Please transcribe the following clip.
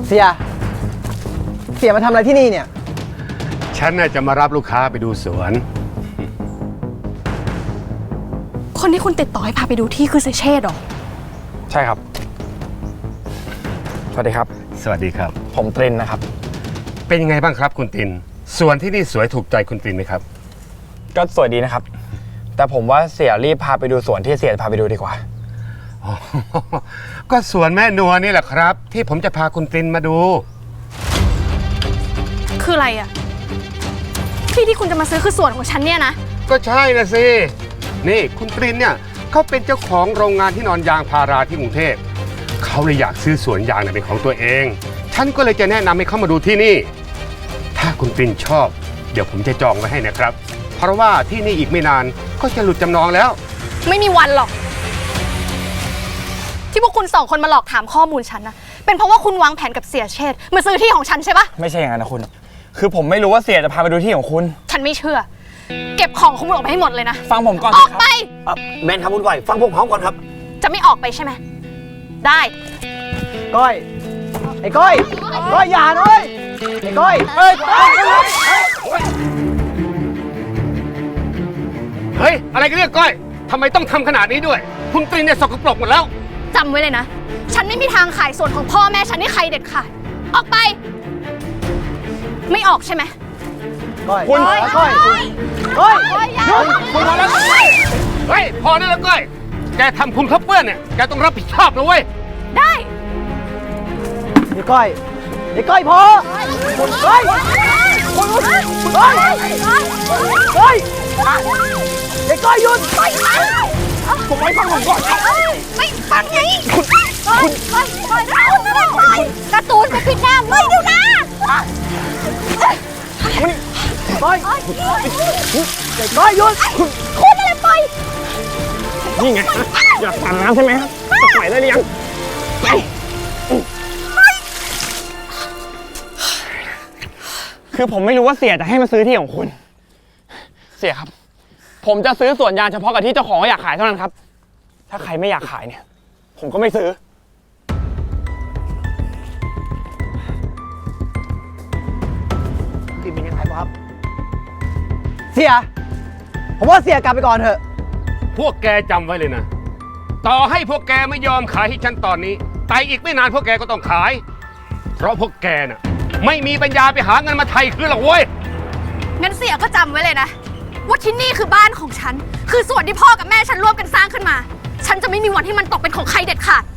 เสียมาทำอะไรที่นี่เนี่ยฉันน่าจะมารับลูกค้าไปดูสวนคนที่คุณติดต่อให้พาไปดูที่คือเสเชษฐ์หรอใช่ครับ สวัสดีครับสวัสดีครับผมตรินนะครับเป็นยังไงบ้างครับคุณตินสวนที่นี่สวยถูกใจคุณตินไหมครับก็สวยดีนะครับ แต่ผมว่าเสียรีบพาไปดูสวนที่เสียพาไปดูดีกว่าอ๋อ ก็สวนแม่นัวนี่แหละครับ ที่ผมจะพาคุณตินมาดูคืออะไรอะที่คุณจะมาซื้อคือส่วนของฉันเนี่ยนะก็ใช่นะสิ นี่คุณตรินเนี่ยเขาเป็นเจ้าของโรงงานที่นอนยางพาราที่กรุงเทพเขาเลยอยากซื้อสวนยางเป็นของตัวเอง ฉันก็เลยจะแนะนำให้เขามาดูที่นี่ ถ้าคุณตรินชอบ เดี๋ยวผมจะจองไว้ให้นะครับ เพราะว่าที่นี่อีกไม่นานก็จะหลุดจำนองแล้วไม่มีวันหรอก ที่พวกคุณสองคนมาหลอกถามข้อมูลฉันนะเป็นเพราะว่าคุณวางแผนกับเสียเชษฐ์มาซื้อที่ของฉันใช่ปะไม่ใช่อย่างนั้นนะคุณ คือผมไม่รู้ว่าเสียจะพาไปดูที่ของคุณฉันไม่เชื่อ เก็บของของคุณออกไปให้หมดเลยนะฟังผมก่อนอสิอกครับไปแมนครับคุณก้อยฟังพวกเขาก่อนครับจะไม่ออกไปใช่ไหมได้ก้อย ไอ้ก้อย ก้อยอย่าด้วยไอ้ก้อยเฮ้ย อะไรกันเนี่ยก้อยทำไมต้องทำขนาดนี้ด้วย คุณตรินเนี่ยสกปรกหมดแล้วจำไว้เลยนะ ฉันไม่มีทางขายส่วนของพ่อแม่ฉันให้ใครเด็ดขาด ออกไป ไม่ออกใช่ไหมก้อยคุณก้อยก้อยก้อยหยุดคุณพอแล้วเฮ้ย พอได้แล้วก้อย แกทำคุณเขาเปื้อนเนี่ย แกต้องรับผิดชอบนะเว้ยได้ไอ้ก้อยไอ้ก้อยพอก้อยก้อยก้อยไอ้ก้อยหยุดผมไม่ฟังผมก่อนไม่ฟังไงคุณการ์ตูนไปปิดหน้าไม่ดูนะก้อยไอ้ก้อยหยุดคุณอะไรไปนี่ไง อยากปั่นน้ำใช่ไหมครับจะปล่อยได้หรือยังไปคือผมไม่รู้ว่าเสียจะให้มาซื้อที่ของคุณ เสียครับ ผมจะซื้อสวนยางเฉพาะกับที่เจ้าของเขาอยากขายเท่านั้นครับ ถ้าใครไม่อยากขายเนี่ย ผมก็ไม่ซื้อกินเป็นยังไงครับ เสีย ผมว่าเสียกลับไปก่อนเถอะพวกแกจำไว้เลยนะ ต่อให้พวกแกไม่ยอมขายให้ฉันตอนนี้ แต่อีกไม่นานพวกแกก็ต้องขาย เพราะพวกแกน่ะไม่มีปัญญาไปหาเงินมาไถ่คืนหรอกเว้ยงั้นเสียก็จำไว้เลยนะ ว่าที่นี่คือบ้านของฉัน คือส่วนที่พ่อกับแม่ฉันร่วมกันสร้างขึ้นมา ฉันจะไม่มีวันที่มันตกเป็นของใครเด็ดขาด